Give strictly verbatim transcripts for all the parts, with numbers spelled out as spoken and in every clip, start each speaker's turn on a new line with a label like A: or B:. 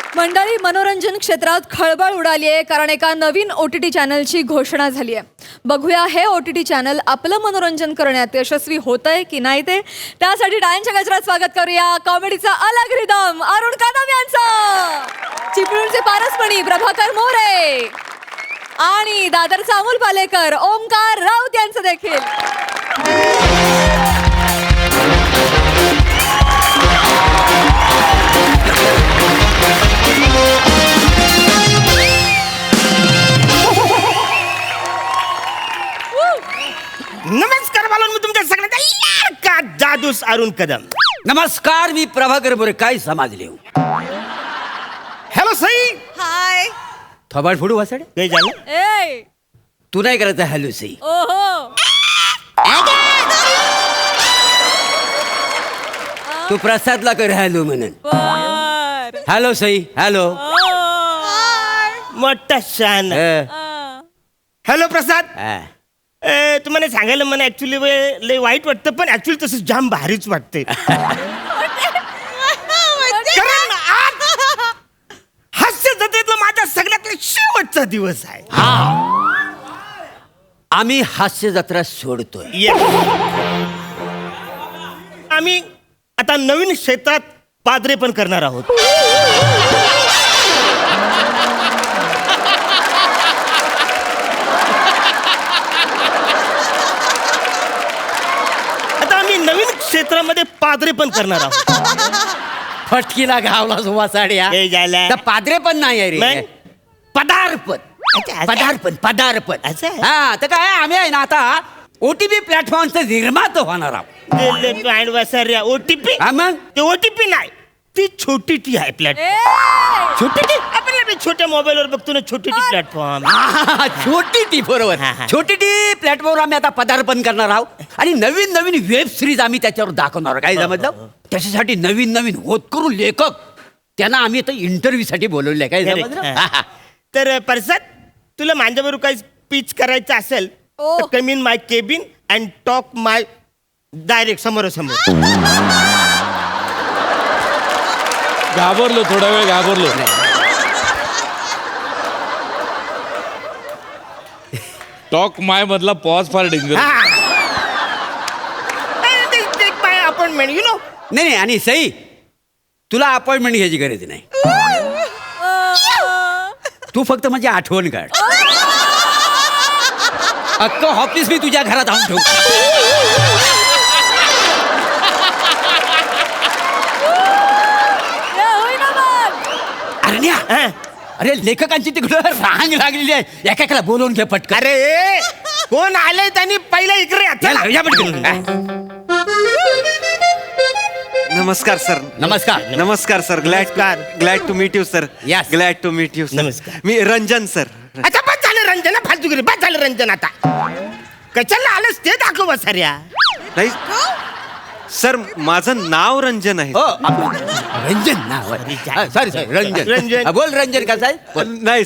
A: मंडळी, मनोरंजन क्षेत्रात खळबळ उडाली आहे कारण एका नवीन ओ टी टी चॅनलची घोषणा झाली आहे. बघूया हे ओ टी टी चॅनल आपलं मनोरंजन करण्यात यशस्वी होतंय की नाही ते. त्यासाठी टाळ्यांच्या गजरात स्वागत करूया कॉमेडीचा अलग रिदम अरुण कदम यांचं, चिपळूणचे पारसमणी प्रभाकर मोरे आणि दादरचा अमोल पालेकर ओमकार राऊत यांचं देखील.
B: नमस्कार बालून, मी तुमच्या सगळ्यांचा लाडका जादूस अरुण कदम.
C: नमस्कार, मी प्रभाकर मोरे. काय समजले?
B: हॅलो सई.
A: हाय.
C: थोबाड फोडू वासाडे.
B: काय झालं?
A: ए
C: तू नाही करायचं हॅलो सई.
A: ओहो.
C: तू प्रसादला कर हॅलो म्हणून.
A: बर.
C: हॅलो सई. हॅलो.
B: मोठा शान. हॅलो प्रसाद. ए, तुम्हाला सांगायला मला ऍक्च्युली लय वाईट वाटतं, पण ऍक्च्युली तसं जाम भारीच वाटते. कारण आज हास्य जत्रेतला माझा सगळ्यात शेवटचा दिवस आहे.
C: आम्ही हास्य जत्रा सोडतोय.
B: Yes. आम्ही आता नवीन क्षेत्रात पादरे पण करणार आहोत. आता आम्ही नवीन क्षेत्रामध्ये पादरे पण करणार आहोत.
C: फटकीला घावला वासाड्या.
B: हे झालं.
C: तर पादरे पण नाही आहे रे,
B: मग?
C: पदार्पण.
B: अच्छा, अच्छा.
C: पदार्पण पदार्पण
B: असं आहे?
C: हा, तर काय आम्ही आहे ना आता ओटीपी प्लॅटफॉर्मचं निर्माता होणार आहोत.
B: ओटीपी.
C: हा मग
B: ते ओटीपी नाही, ती छोटी टी आहे प्लॅटफॉर्म.
A: ए
B: छोटी टी आपल्याला मी छोट्या मोबाईलवर बघतो ना, छोटी टी प्लॅटफॉर्म.
C: हा, छोटी टी बरोबर.
B: हा, हा.
C: छोटी टी प्लॅटफॉर्मवर आम्ही आता पदार्पण करणार आहोत आणि नवीन नवीन वेब सिरीज आम्ही त्याच्यावर दाखवणार आहोत. काय समजलं? त्याच्यासाठी नवीन नवीन होतकरू लेखक त्यांना आम्ही आता इंटरव्ह्यू साठी बोलवले. काय
B: Correct.
C: समजलं?
B: हा.
C: हा, हा.
B: तर परसाद, तुला माझ्याबरोबर काही स्पीच करायचं असेल
A: ओ.
B: तर come in my cabin and talk my direct समोरासमोर.
D: घाबरलो, थोडा वेळ घाबरलो. टॉक माय मधला पॉज फार danger.
B: My appointment you know.
C: नाही नाही, आणि सई तुला अपॉइंटमेंट घ्यायची गरज नाही. तू फक्त माझी आठवण काढ. अक्क ऑफिस मी तुझ्या घरात आणून ठेवू. अरण्या, अरे लेखकांची तिकडं रांग लागलेली आहे. एकाला बोलवून घे पटकन.
B: अरे कोण आलंय त्यांनी पहिला इकडे या.
C: चला, या पटकन.
E: नमस्कार सर.
C: नमस्कार.
E: नमस्कार सर. ग्लॅड
B: नमस्कार.
E: Glad to meet you sir.
C: Yes.
E: Glad to meet you.
B: नमस्कार.
E: मी रंजन सर.
B: अच्छा, बस झालं रंजन, फालतूगिरी बस झालं रंजन. आता कशाला आलंस ते दाखव बस साऱ्या.
E: नाही सर, माझं नाव रंजन आहे.
C: हो, आपलं रंजन नाव आहे. हा, सॉरी सॉरी, रंजन.
B: रंजन.
C: हा, बोल रंजन. कसं आहे? बोल.
E: नाही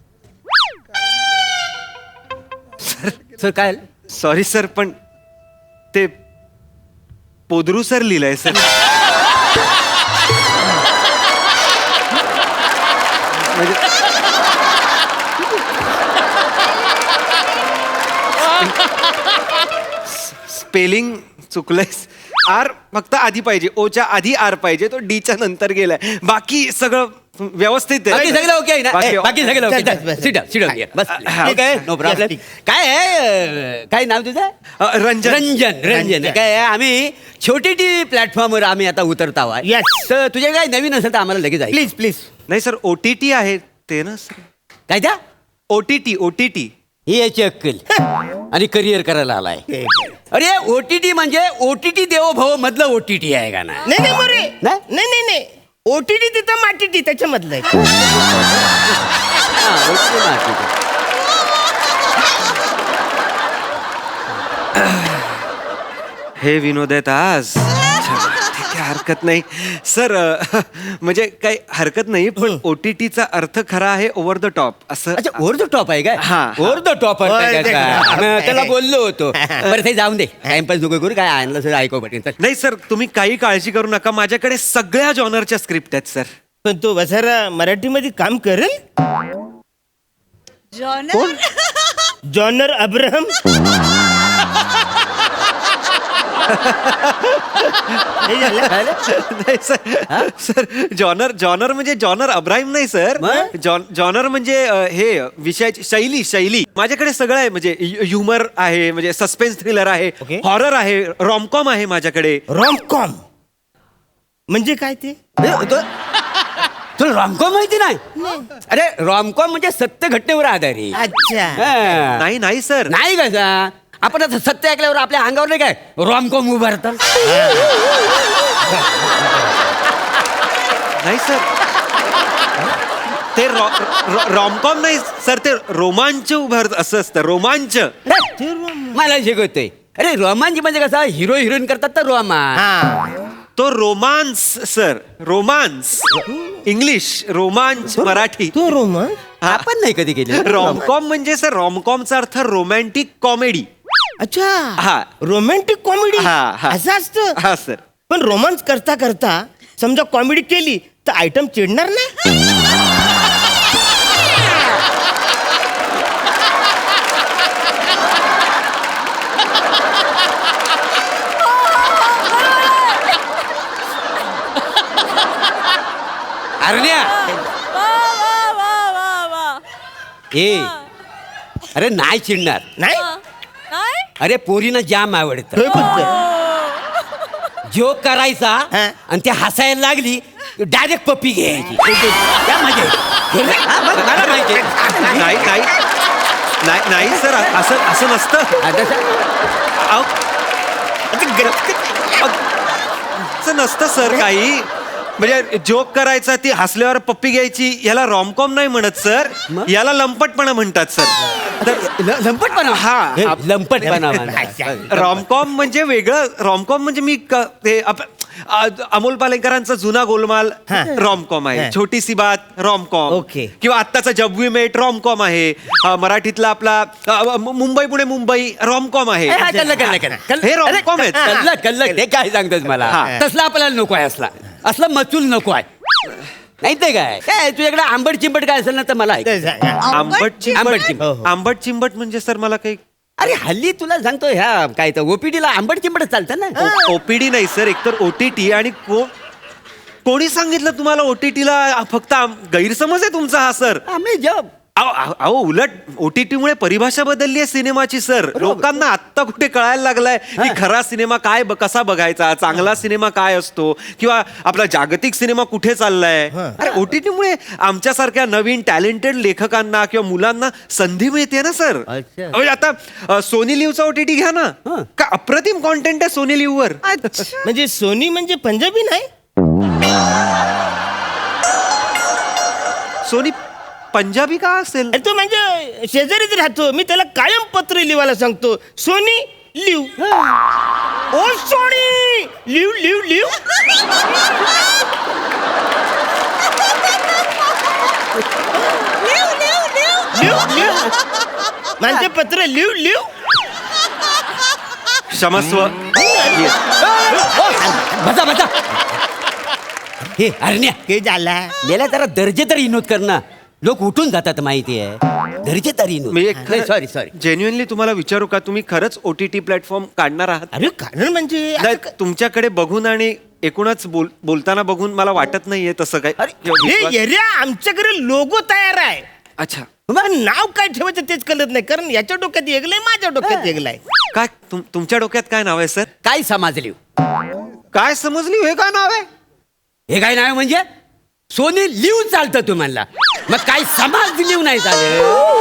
C: सर काय?
E: सॉरी सर, पण ते पोदरू सर लिहिलंय सर. म्हणजे स्पेलिंग चुकलंय. आर फक्त आधी पाहिजे, ओच्या आधी आर पाहिजे, तो डीच्या नंतर गेलाय. बाकी सगळं व्यवस्थित
C: बाकी सगळं ओके आहे ना?
E: बाकी-
C: ए, बाकी सगळं ओके.
B: बस, बस.
C: Sit down, sit down. बस.
E: हा.
C: ठीक आहे, नो प्रॉब्लेम.
B: ठीक.
C: काय आहे, काय नाव तुझं?
E: अ, रंजन.
C: रंजन. रंजन
B: रंजन.
C: काय आहे, आम्ही छोटी टी प्लॅटफॉर्मवर आम्ही आता उतरत आहोत.
B: Yes.
C: तर तुझे काय नवीन असेल तर आम्हाला लगेच आहे.
B: Please please.
E: नाही सर, ओटीटी आहे ते ना सर.
C: काय त्या
E: ओटीटी ओटीटी
C: ही याची अक्कल आणि करिअर करायला आलाय. अरे ओटीटी म्हणजे ओटीटी देवो भव मधलं ओटीटी आहे का ना?
B: नाही नाही मोरे,
C: नाही?
B: नाही नाही नाही, ओटीटी तिथं माटीटी त्याच्यामधलं आहे.
C: हा, ओटीटी ना, ठीक आहे.
E: हे विनोद आहेत आज. ठीक आहे, हरकत नाही सर. अ, म्हणजे काही हरकत नाही, पण ओटीटीचा अर्थ खरा आहे ओव्हर द टॉप असं.
C: अच्छा, ओव्हर द टॉप आहे काय?
E: हा, हा.
C: Over the top
B: Over the top.
C: त्याला बोललो होतो. बरं ते जाऊन दे, टाइमपास नको करू. काय आणलं सर ऐकू पटेल.
E: नाही सर, तुम्ही काही काळजी करू नका. माझ्याकडे सगळ्या जॉनरच्या स्क्रिप्ट आहेत सर.
B: पण तो वसारा मराठीमध्ये काम करेल?
F: Genre
B: genre Abraham. हे झालं?
E: नाही सर सर जॉनर जॉनर म्हणजे जॉनर अब्राहिम नाही सर.
C: मग?
E: जॉन जॉनर म्हणजे अ, हे विषयाची शैली शैली माझ्याकडे सगळं आहे. म्हणजे ह्युमर आहे, म्हणजे सस्पेन्स थ्रिलर आहे,
B: Okay.
E: हॉरर आहे, रॉमकॉम आहे माझ्याकडे.
B: रॉमकॉम म्हणजे काय ते?
C: तुला रॉमकॉम माहिती नाही? अरे रॉमकॉम म्हणजे सत्य घटनेवर आधारित.
B: अच्छा.
C: हा.
E: नाही नाही सर.
C: नाही कसा आपण आता सत्य ऐकल्यावर आपल्या अंगावर नाही काय रॉमकॉम उभारतात.
E: नाही सर ते रॉमकॉम नाही सर, ते रोमांच उभारत असं असतं. रोमांच.
C: मला शिकवतोय. अरे रोमांच म्हणजे कसा हिरो हिरोईन करतात तर रोमांच.
B: हा.
E: तो रोमांस सर. रोमांस इंग्लिश, रोमांच मराठी.
B: तो रोमन.
C: आपण नाही कधी केले.
E: रॉमकॉम म्हणजे सर रॉमकॉमचा अर्थ रोमॅन्टिक कॉमेडी.
B: अच्छा.
E: हा.
B: रोमॅन्टिक कॉमेडी
E: हा, हा.
B: असं असतं.
E: हा सर.
B: पण रोमांस करता करता समजा कॉमेडी केली तर आयटम चिडणार नाही?
C: अरण्या
F: वा वा वा वा वा
C: ए अरे नाही चिडणार.
B: नाही.
F: नाही
C: अरे पोरीनं जाम आवडतं.
B: होय बोलतोय.
C: जोक करायचा
B: हा.
C: आणि ते हसायला लागली डायरेक्ट पप्पी घ्यायची. त्या मजा येते. हा, मग मला माहिती आहे.
E: नाही नाही नाही नाही सर असं असं नसतं.
C: आता सा-
E: अहो, असं नसतं सर काही. म्हणजे जोक करायचा ती हसल्यावर पप्पी घ्यायची याला रॉमकॉम नाही म्हणत सर.
C: मग?
E: याला लंपटपणा म्हणतात सर.
C: ल- लंपटपणा
E: हा.
C: हे, लंपटपणा म्हणतात.
E: रॉमकॉम म्हणजे वेगळं. रॉमकॉम म्हणजे मी क- ते आप- आ- अमोल पालेकरांचा जुना गोलमाल रॉमकॉम आहे.
B: हा.
E: छोटीसी बात रॉमकॉम.
B: ओके.
E: किंवा आत्ताचा जब वी मेट रॉमकॉम आहे. अ, मराठीतला आपला अ, मु- मुंबई पुणे मुंबई रॉमकॉम आहे.
C: ए, हा, कल्लं, कल्लं, कल्लं. कल्लं.
E: हे rom-com आहेत.
C: अरे, कल्लं, कल्लं. ते काय सांगतोस मला?
E: हा.
C: तसला आपल्याला नको आहे. असला असला मचूल नको आहे. नाही ते काय काय तुझ्याकडे आंबट चिंबट काय असेल ना तर मला ऐक.
E: आंबट
C: आंबट
E: चिंबट.
C: चिंबट.
B: हो, हो.
E: आंबट चिंबट म्हणजे सर मला काही
C: अरे हल्ली तुला सांगतो ह्या काय तर ओपीडीला आंबट चिंबट चालतं ना.
E: ओपीडी नाही सर, एकतर ओटीटी. आणि को कोणी सांगितलं तुम्हाला ओटीटीला फक्त आम- गैरसमज आहे तुमचा हा सर.
C: आम्ही जब
E: अहो, अहो अहो, उलट ओटीटी मुळे परिभाषा बदलली आहे सिनेमाची सर. लोकांना आत्ता कुठे कळायला लागलाय की खरा सिनेमा काय ब- कसा बघायचा, चांगला सिनेमा काय असतो, किंवा आपला जागतिक सिनेमा कुठे चाललाय. अरे ओटीटी मुळे आमच्यासारख्या नवीन टॅलेंटेड लेखकांना किंवा मुलांना संधी मिळते ना सर.
C: अच्छा.
E: म्हणजे आता अ, सोनी लिव्हचा ओटीटी घ्या ना.
C: हं.
E: का अप्रतिम कॉन्टेंट आहे सोनी लिव्ह वर.
B: म्हणजे सोनी म्हणजे पंजाबी नाही?
E: सोनी पंजाबी का असेल?
B: अरे तो म्हणजे शेजारीच राहतो. मी त्याला कायम पत्र लिवायला सांगतो, सोनी लिव. ओ Sony Liv Liv Liv.
F: Liv Liv Liv
B: Liv Liv माझे पत्र लिव लिव.
E: क्षमस्व.
C: बसा बसा. हे अरण्या
B: के झाला?
C: गेल्या जरा दर्जे तर विनोद कर ना. लोक उठून जातात माहिती आहे. दर्जे तर विनोद.
E: मी एक
C: सॉरी सॉरी.
E: जेन्युअनली तुम्हाला विचारू का, तुम्ही खरंच ओटीटी प्लॅटफॉर्म काढणार आहात?
B: अरे कारण म्हणजे
E: नाही, तुमच्याकडे बघून आणि एकूणच बोल बोलताना बघून मला वाटत नाहीये तसं काय.
B: हे एरिया आमच्याकडे लोगो तयार आहे.
E: अच्छा.
B: पण नाव काय ठेवायचं तेच कळत नाही, कारण याच्या डोक्यात एकलंय, माझ्या डोक्यात एकलंय.
E: काय तुम- तुमच्या डोक्यात काय नाव आहे सर?
C: काय समाजली
E: काय समजली हे काय नाव आहे?
C: हे काय नाही म्हणजे सोनी लिव चालतं तू म्हणला. मग काय समाज लिव नाही चालेल.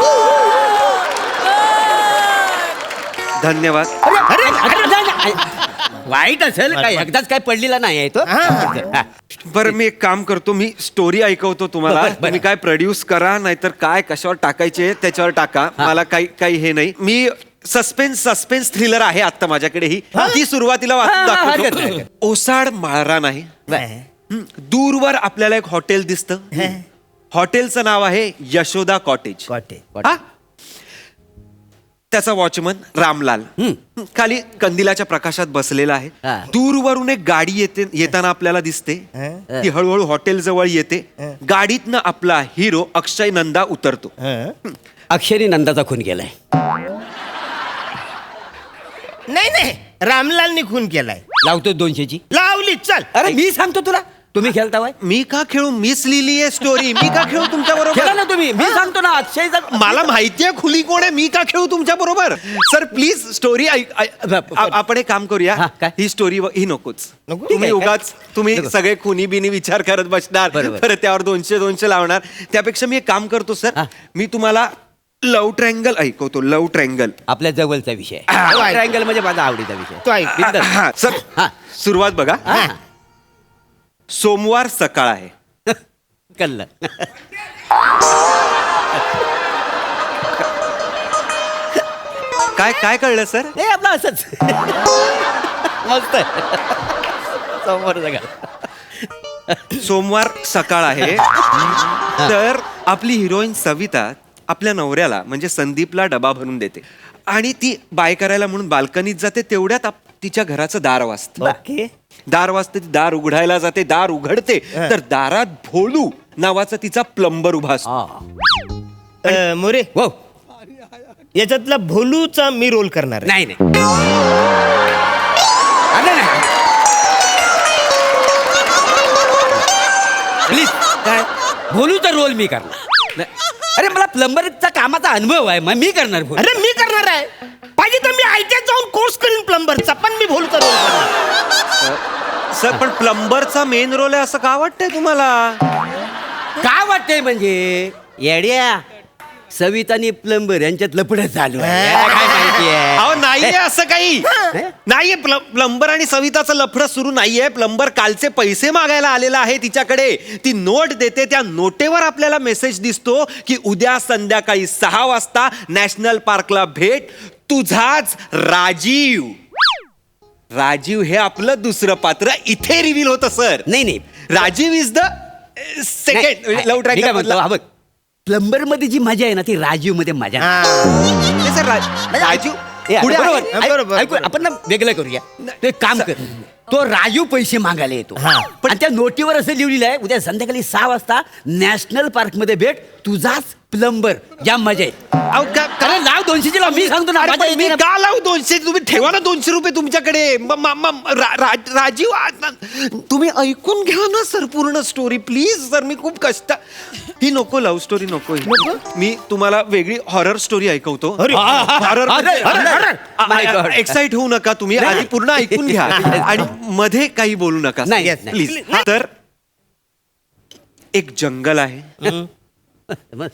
E: धन्यवाद.
C: अरे अरे, नाही, नाही. वाईट असेल काय एकदाच काय पडलेला नाही आहे तो. हा.
E: बरं मी एक काम करतो, मी स्टोरी ऐकवतो तुम्हाला.
C: बरं, बरं.
E: तुम्ही काय प्रोड्यूस करा, नाहीतर काय कशावर टाकायचे त्याच्यावर टाका. मला काही काही हे नाही. मी सस्पेन्स सस्पेन्स थ्रिलर आहे आता माझ्याकडे ही. ती सुरुवातीला
C: हा,
E: वाचून
C: हा, हरकत नाही,
E: दाखवतो.
C: हरकत
E: ओसाड माळरा नाही. हं, दूरवर आपल्याला एक हॉटेल दिसतं. हॉटेलचं नाव आहे यशोदा कॉटेज.
B: कॉटे.
E: हा? त्याचा वॉचमन रामलाल खाली कंदिलाच्या प्रकाशात बसलेला आहे.
C: हा.
E: दूरवरून एक गाडी येते येताना आपल्याला दिसते. ती हळूहळू हॉटेल जवळ येते. गाडीतनं आपला हिरो अक्षय नंदा उतरतो.
C: अक्षरी नंदाचा खून केलाय.
B: नाही नाही रामलालनी खून केलाय.
C: लावतो दोनशेची.
B: लावली चल.
C: अरे मी सांगतो तुला, तुम्ही खेळतावाय.
E: मी का खेळू? मीच लिहिली आहे स्टोरी. मी का खेळू तुमच्या
C: खेळा
E: बरोबर?
C: ना तुम्ही. मी सांगतो ना अक्षयचा.
E: मला माहितीये खुली कोण आहे. मी का खेळू तुमच्या बरोबर? सर प्लीज स्टोरी आपण एक काम करूया.
C: हा, काय?
E: ही स्टोरी ही नकोच.
B: नको?
E: तुम्ही
C: ठीक आहे,
E: उगाच तुम्ही
C: नको.
E: सगळे खुनी बिनी विचार करत बसणार.
C: बरोबर.
E: परत त्यावर दोनशे दोनशे लावणार. त्यापेक्षा मी एक काम करतो सर.
C: हा.
E: मी तुम्हाला लव ट्रँगल ऐकवतो. Love triangle.
C: आपल्या जवळचा विषय.
B: हा.
C: ट्रायंगल म्हणजे माझा आवडीचा विषय.
B: तो ऐक.
C: बिंदास.
E: हा सर
C: हा.
E: सुरुवात बघा.
C: हा.
E: सोमवार सकाळ आहे.
C: कळलं.
E: काय काय कळलं सर?
C: हे आपलं असंच. मस्त आहे. समोर सगळं.
E: सोमवार सकाळ आहे. तर आपली हिरोईन सविता आपल्या नवऱ्याला म्हणजे संदीपला डबा भरून देते आणि ती बाय करायला म्हणून बाल्कनीत जाते. तेवढ्यात आप- तिच्या घराचं दार वाजतं.
C: ओके.
E: दार वाजते. ती दार उघडायला जाते. दार उघडते तर दारात भोलू नावाचा तिचा प्लंबर उभा असतो.
C: हा.
B: अ, मोरे
C: हो.
B: याच्यातला भोलूचा मी रोल करणार आहे.
C: नाही नाही. अरे नाही. प्लीज.
B: काय?
C: भोलूचा रोल मी करणार. अरे मला प्लंबरचा कामाचा अनुभव आहे, मग मी करणार भोलू.
B: अरे मी करणार आहे. पाहिजे तर मी आयटीआय जाऊन कोर्स करीन प्लंबरचा, पण मी भोलूचा रोल करणार.
E: सर पण प्लंबरचा मेन रोल आहे असं का वाटतंय तुम्हाला?
C: काय वाटतंय म्हणजे येड्या सवितानी प्लंबर यांच्यात लपडं चालू आहे. याला काय माहितीये?
E: अहो नाहीये असं काही. नाहीये प्लंबर आणि सविताचं लफडं सुरू नाहीये. प्लंबर कालचे पैसे मागायला आलेला आहे तिच्याकडे. ती नोट देते. त्या नोटेवर आपल्याला मेसेज दिसतो की उद्या संध्याकाळी सहा वाजता नॅशनल पार्कला भेट. तुझाच राजीव. राजीव हे आपलं दुसरं पात्र इथे रिव्हील होतं सर.
C: नाही नाही.
E: Rajeev is the second love
C: मी काय म्हणतो,
E: ट्रॅक.
C: हा बघ, प्लंबर मध्ये जी मजा आहे ना ती राजीव मध्ये मजा नाही.
B: हा.
E: सर राजीव
C: ए,
E: पुढे
C: बरोबर.
E: आहे.
B: आहे. बरोबर,
C: ऐक- ऐकू,
B: बरोबर.
C: आपण ना वेगळं करूया. तो एक काम कर. तो राजू पैसे मागायला येतो.
B: हा.
C: पण त्या नोटीवर असं लिहिलेलं आहे उद्या संध्याकाळी सहा वाजता नॅशनल पार्क मध्ये भेट तुझाच प्लंबर. जाम मजा आहे.
E: अहो, का- का-
C: अरे लाव दोनशेची लाव. मी सांगतो ना
E: अरे,
C: मजा
E: पण मी
C: येते ना.
E: का लावू दोनशे? तुम्ही ठेवा ना दोनशे रुपये तुमच्याकडे. म- म- म- रा- रा- राजीव आ- तुम्ही ऐकून घ्या ना सर पूर्ण स्टोरी प्लीज. सर मी खूप कष्ट. ही नको लव्ह स्टोरी नको ही. मी तुम्हाला वेगळी हॉरर स्टोरी ऐकवतो.
B: अरे.
E: हॉरर
C: अरे, अरे, my God.
E: एक्साइट होऊ नका तुम्ही. आधी पूर्ण ऐकून घ्या आणि मध्ये काही बोलू नका
C: नाही, yes, नाही.
E: प्लीज. तर एक जंगल आहे.
C: बस.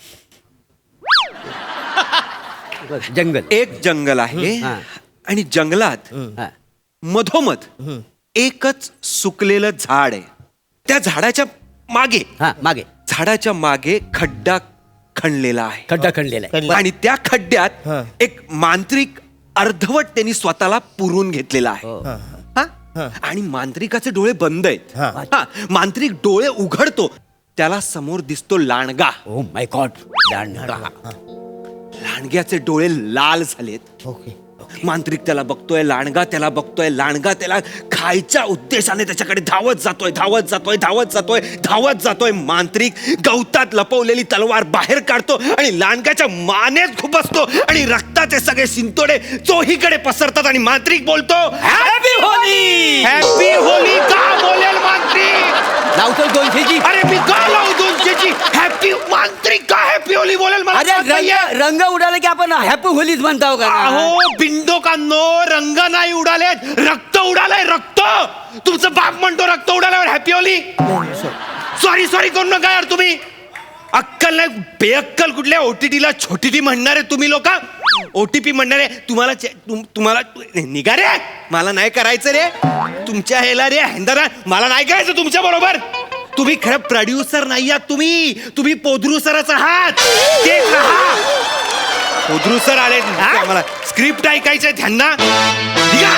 C: बस, जंगल.
E: एक जंगल आहे
C: हा.
E: आणि जंगलात
C: हा.
E: मधोमध एकच सुकलेलं झाड आहे. त्या झाडाच्या मागे
C: हा मागे
E: झाडाच्या मागे खड्डा खणलेला आहे.
C: खड्डा खणलेला आहे.
E: आणि त्या खड्ड्यात
B: हा.
E: एक मांत्रिक अर्धवट त्यांनी स्वतःला पुरून घेतलेला आहे.
C: हो.
E: हा? आणि मांत्रिकाचे डोळे बंद आहेत.
B: हा.
E: हा, मांत्रिक डोळे उघडतो. त्याला समोर दिसतो लांडगा.
C: Oh my God. लांडगा.
E: लांडग्याचे डोळे लाल झालेत.
B: ओके.
E: मांत्रिक त्याला बघतोय. लांडगा त्याला बघतोय. लांडगा त्याला खायच्या उद्देशाने त्याच्याकडे धावत जातोय धावत जातोय धावत जातोय धावत जातोय. मांत्रिक गवतात लपवलेली तलवार बाहेर काढतो आणि लांडग्याच्या मानेत खुपसतो आणि रक्ताचे सगळे शिंतोडे चोहीकडे पसरतात आणि मांत्रिक बोलतो
C: हॅपी होली.
E: Happy Holy. का बोलेल मांत्रिक?
C: लावतो दोनशेची.
E: अरे मी का लावू दोनशेची? हॅपी मांत्रिक का हॅपी होली बोलेल मला
C: अरे
E: कळत नाहीये.
C: रंग रंग उडाला की आपण हॅपी होलीच म्हणतो का?
E: अहो बिंदोकांनो रंग नाही उडालेत. रक्त उडालंय. रक्त. तुमचं बाप म्हणतो रक्त उडाल्यावर हॅपी होली. सॉरी सॉरी करू नका यार तुम्ही. अक्कल नाही बेअक्कल कुठल्या ओटीटीला छोटी टी म्हणणारे तुम्ही लोक. ओटीपी म्हणणारे तुम्हाला चे- तुम- तुम्हाला निघा रे. मला नाही करायचं रे तुमच्या हेला रे हेंदरा. मला नाही करायचं तुमच्या बरोबर. तुम्ही खरं प्रोड्युसर नाही आहात. तुम्ही तुम्ही पोदरुसरच आहात. ते राहा. पोदरुसर आले मला स्क्रिप्ट ऐकायचंय त्यांना. निघा.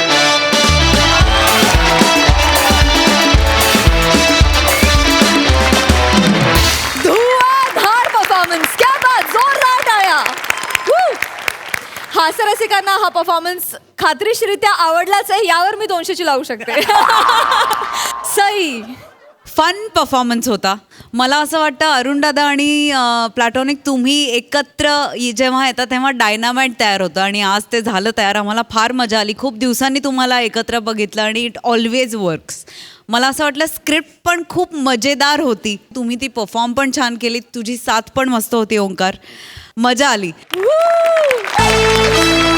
A: धुआंधार परफॉर्मन्स. क्या बात. जोरदार टाळ्या. Woo! हास्यरसिकांना हा परफॉर्मन्स खात्रीशीरित्या आवडलाच आहे, यावर मी दोनशेची लावू शकते. सई.
G: फन परफॉर्मन्स होता. मला असं वाटतं अरुणदादा आणि प्लॅटॉनिक तुम्ही एकत्र इ- जेव्हा येतात तेव्हा डायनामाइट तयार होतं आणि आज ते झालं तयार. आम्हाला फार मजा आली. खूप दिवसांनी तुम्हाला एकत्र बघितलं आणि इट ऑलवेज वर्क्स. मला असं वाटलं स्क्रिप्ट पण खूप मजेदार होती. तुम्ही ती परफॉर्म पण छान केली. तुझी साथ पण मस्त होती ओंकार. मजा आली.